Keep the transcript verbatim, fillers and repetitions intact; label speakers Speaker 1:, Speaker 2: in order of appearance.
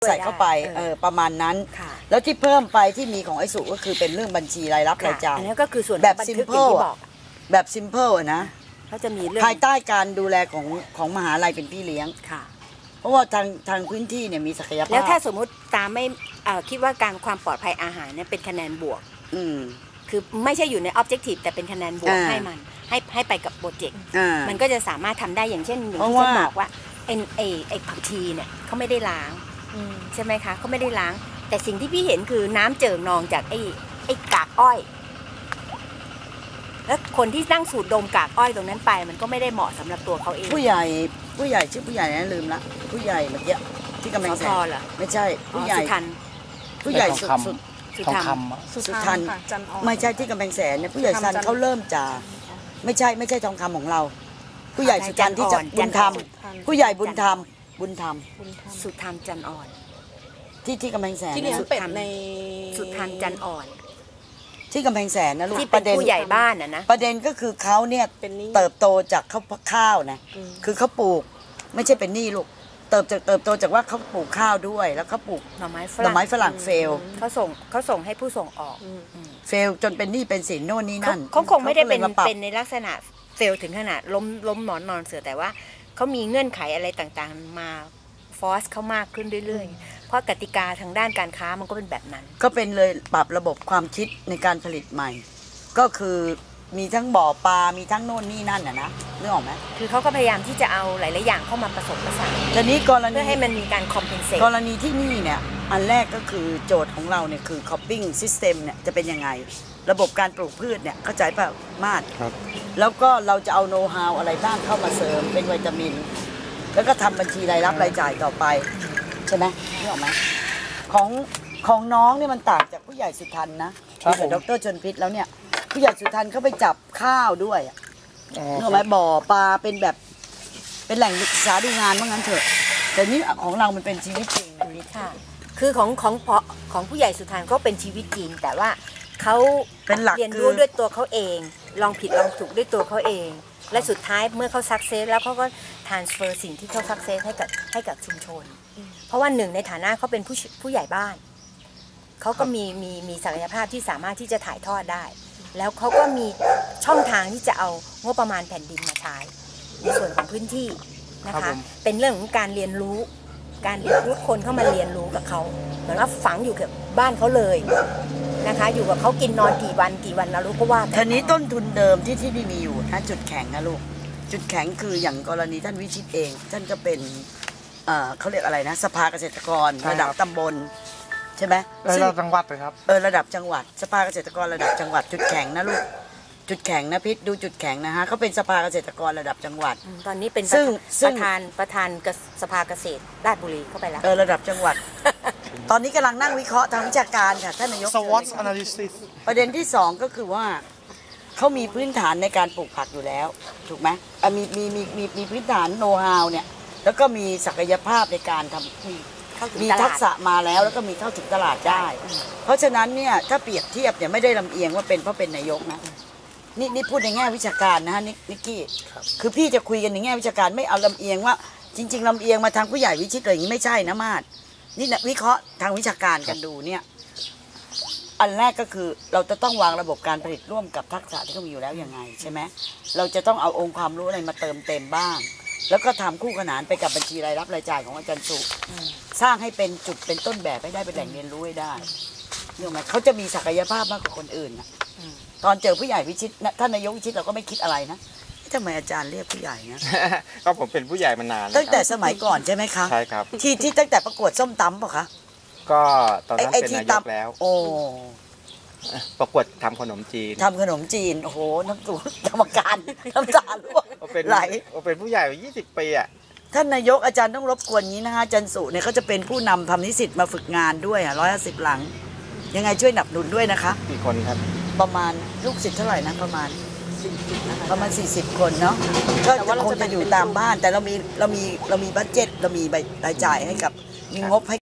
Speaker 1: ใส่เข้าไปเออประมาณนั้นแล้วที่เพิ่มไปที่มีของไอ้สุก็คือเป็นเรื่องบัญชีรายรับรายจ่าย
Speaker 2: อันนี้ก็คือส่วน
Speaker 1: แบบซิมเพิลแบบซิมเพิลนะ
Speaker 2: เขาจะมีเรื่อง
Speaker 1: ภายใต้การดูแลของของมหาลัยเป็นพี่เลี้ยง
Speaker 2: ค่ะ
Speaker 1: เพราะว่าทางทางพื้นที่เนี่ยมีศักยภาพ
Speaker 2: แล้วถ้าสมมุติตามไม่คิดว่าการความปลอดภัยอาหารเนี่ยเป็นคะแนนบวก
Speaker 1: อืม
Speaker 2: คือไม่ใช่อยู่ใน objective แต่เป็นคะแนนบวกให้มันให้ให้ไปกับโปรเจกต์มันก็จะสามารถทำได้อย่างเช่นอย่างที่ฉันบอกว่าไอ้ไอ้ไอ้ผักชีเนี่ยเขาไม่ได้ล้างใช่ไหมคะเขาไม่ได้ล้างแต่สิ่งที่พี่เห็นคือน้ำเจิ่งนองจากไอ้ไอ้กากอ้อยแล้วคนที่นั่งสูดดมกากอ้อยตรงนั้นไปมันก็ไม่ได้เหมาะสำหรับตัวเขาเอง
Speaker 1: ผู้ใหญ่ผู้ใหญ่ชื่อผู้ใหญ่นะลืมละผู้ใหญ่เมื่อกี้ที่กำแพงแสนไม่ใช่ผู้ใหญ่ผู้ใหญ่สุดสุด
Speaker 2: สุด
Speaker 3: ท
Speaker 1: ำสุดทันไม่ใช่ที่กำแพงแสนเนี่ยผู้ใหญ่ซันเขาเริ่มจากไม่ใช่ไม่ใช่ทองคำของเราผู้ใหญ่สุทันที่จะบุญธรรมผู้ใหญ่บุญธรรมบุญธรรม
Speaker 2: สุทันจันอ่อน
Speaker 1: ที่ที่กำแพงแสน
Speaker 4: ที่เลี้ยงเป็ดใน
Speaker 2: สุทันจันอ่อน
Speaker 1: ที่กำแพงแสนนะลูก
Speaker 2: ที่เป็นผู้ใหญ่บ้านนะนะ
Speaker 1: ประเด็นก็คือเขาเนี่ยเติบโตจากข้าวข้าวนะคือเขาปลูกไม่ใช่เป็นหนี้ลูกเติบจากเติบโตจากว่าเขาปลูกข้าวด้วยแล้วเขาปลูก
Speaker 2: หน่อไม้
Speaker 1: หน่อไม้ฝรั่งเฟล
Speaker 2: เขาส่งเขาส่งให้ผู้ส่งออก
Speaker 1: เฟลจนเป็นหนี้เป็นสินโน่นนี่นั่น
Speaker 2: เขาคงไม่ได้เป็นเป็นในลักษณะเฟลถึงขนาดล้มล้มหมอนนอนเสือแต่ว่าเขามีเงื่อนไขอะไรต่างๆมาฟอร์สเขามากขึ้นเรื่อยๆเพราะกติกาทางด้านการค้ามันก็เป็นแบบนั้น
Speaker 1: ก็เป็นเลยปรับระบบความคิดในการผลิตใหม่ก็คือมีทั้งบ่อปลา มีทั้งโน่นนี่นั่นน่ะนะนึกออกไหม
Speaker 2: คือเขาก็พยายามที่จะเอาหลายๆอย่างเข้ามาผสมผสาน
Speaker 1: ทีนี้กรณี
Speaker 2: เพื่อให้มันมีการคอมเพนเซต
Speaker 1: กรณีที่นี่เนี่ยอันแรกก็คือโจทย์ของเราเนี่ยคือ cropping system เนี่ยจะเป็นยังไงระบบการปลูกพืชเนี่ยเข้าใจป่ะมาด
Speaker 3: ครับ
Speaker 1: แล้วก็เราจะเอาโน้ตฮาวอะไรบ้างเข้ามาเสริมเป็นวิตามินแล้วก็ทำบัญชีรายรับรายจ่ายต่อไปใช่ไหมนึกออกไหมของของน้องเนี่ยมันต่างจากผู้ใหญ่สุทันนะกับดร.ชนพิษแล้วเนี่ยผู้ใหญ่สุทันเขาไปจับข้าวด้วยนึกออกไหมบ่อปลาเป็นแบบเป็นแหล่งศึกษาดูงานว่างั้นเถอะแต่นี่ของเรามันเป็นชีวิตจริง
Speaker 2: ค่ะคือของของของผู้ใหญ่สุทันก็เป็นชีวิตจริงแต่ว่าเขา
Speaker 1: เป็นหลัก
Speaker 2: เรียนรู้ด้วยตัวเขาเองลองผิดลองถูกด้วยตัวเขาเองและสุดท้ายเมื่อเขาสักเซสแล้วเขาก็ทรานสเฟอร์สิ่งที่เขาสักเซสให้กับให้กับชุมชนเพราะว่าหนึ่งในฐานะเขาเป็นผู้ผู้ใหญ่บ้านเขาก็มีมีมีศักยภาพที่สามารถที่จะถ่ายทอดได้แล้วเขาก็มีช่องทางที่จะเอางบประมาณแผ่นดินมาใช้ในส่วนของพื้นที่นะคะเป็นเรื่องของการเรียนรู้การเรียนรู้คนเข้ามาเรียนรู้กับเขาเหมือนว่าฝังอยู่กับบ้านเขาเลยนะคะอยู่กับเขากินนอนกี่วันกี่วันเรารู้ก็ว่า
Speaker 1: ทีนี้ต้นทุนเดิมที่ที่นี่มีอยู่นะจุดแข็งนะลูกจุดแข็งคืออย่างกรณีท่านวิชิตเองท่านก็เป็นเขาเรียกอะไรนะสภาเกษตรกรระดับตำบลใช่ไหม
Speaker 3: ระดับจังหวัดเลยครับ
Speaker 1: เออระดับจังหวัดสภาเกษตรกรระดับจังหวัดจุดแข็งนะลูกจุดแข็งนะพิษดูจุดแข็งนะฮะเขาเป็นสภาเกษตรกรระดับจังหวัด
Speaker 2: ตอนนี้เป็นประธานประธานสภาเกษตรราชบุรีเข้าไปแล้ว
Speaker 1: เออระดับจังหวัดตอนนี้กำลังนั่งวิเคราะห์ทางวิชาการค่ะท่านนายก
Speaker 3: สวอต analysis
Speaker 1: ประเด็นที่สองก็คือว่าเขามีพื้นฐานในการปลูกผักอยู่แล้วถูกไหมมีมีมีมีมีพื้นฐานโน้ตฮาวเนี่ยแล้วก็มีศักยภาพในการทำมีทักษะมาแล้วแล้วก็มีเข้าถึงตลาดได้เพราะฉะนั้นเนี่ยถ้าเปรียบเทียบเนี่ยไม่ได้ลำเอียงว่าเป็นเพราะเป็นนายกนะนี่นี่พูดในแง่วิชาการนะฮะนิกกี้คือพี่จะคุยกันในแง่วิชาการไม่เอาลำเอียงว่าจริงๆลำเอียงมาทางผู้ใหญ่วิชิตอะไรอย่างนี้ไม่ใช่นะมาดนี่วิเคราะห์ทางวิชาการกันดูเนี่ยอันแรกก็คือเราจะต้องวางระบบการผลิตร่วมกับทักษะที่เขามีอยู่แล้วยังไงใช่ไหมเราจะต้องเอาองค์ความรู้อะไรมาเติมเต็มบ้างแล้วก็ทำคู่ขนานไปกับบัญชีรายรับรายจ่ายของอาจารย์สุสร้างให้เป็นจุดเป็นต้นแบบให้ได้เป็นแหล่งเรียนรู้ให้ได้เรื่องไหมเขาจะมีศักยภาพมากกว่าคนอื่นนะตอนเจอผู้ใหญ่วิชิตท่านนายกวิชิตเราก็ไม่คิดอะไรนะทำไมอาจารย์เรียกผู้ใหญ่นะ
Speaker 3: ก็ผมเป็นผู้ใหญ่มานาน
Speaker 1: ตั้งแต่สมัยก่อนใช่ไหมคะ
Speaker 3: ใช่ครับ
Speaker 1: ที่ที่ตั้งแต่ประกวดส้มตำป่ะคะ
Speaker 3: ก็ตอนนั้นเป็นนายกแล้ว
Speaker 1: โอ้
Speaker 3: ประกวดทำขนมจีน
Speaker 1: ทำขนมจีนโอ้โหน้ำตูกรรมการน้ำตาล่วงไหล
Speaker 3: เป็นผู้ใหญ่ยี่สิบปีอ่ะ
Speaker 1: ท่านนายกอาจารย์ต้องรบกวนนี้นะคะอาจารย์สุเนี่ยเขาจะเป็นผู้นำทำนิสิตมาฝึกงานด้วยอ่ะร้อยห้าสิบหลังยังไงช่วยหนับหนุนด้วยนะคะ
Speaker 3: กี่คนครับ
Speaker 1: ประมาณลูกศิษย์เท่าไหร่นะประมาณประมาณสี่สิบคนเนาะก็คงจะอยู่ตามบ้านแต่เรามีเรามีเรามีบัดเจ็ตเรามีรายจ่ายให้กับมีงบให้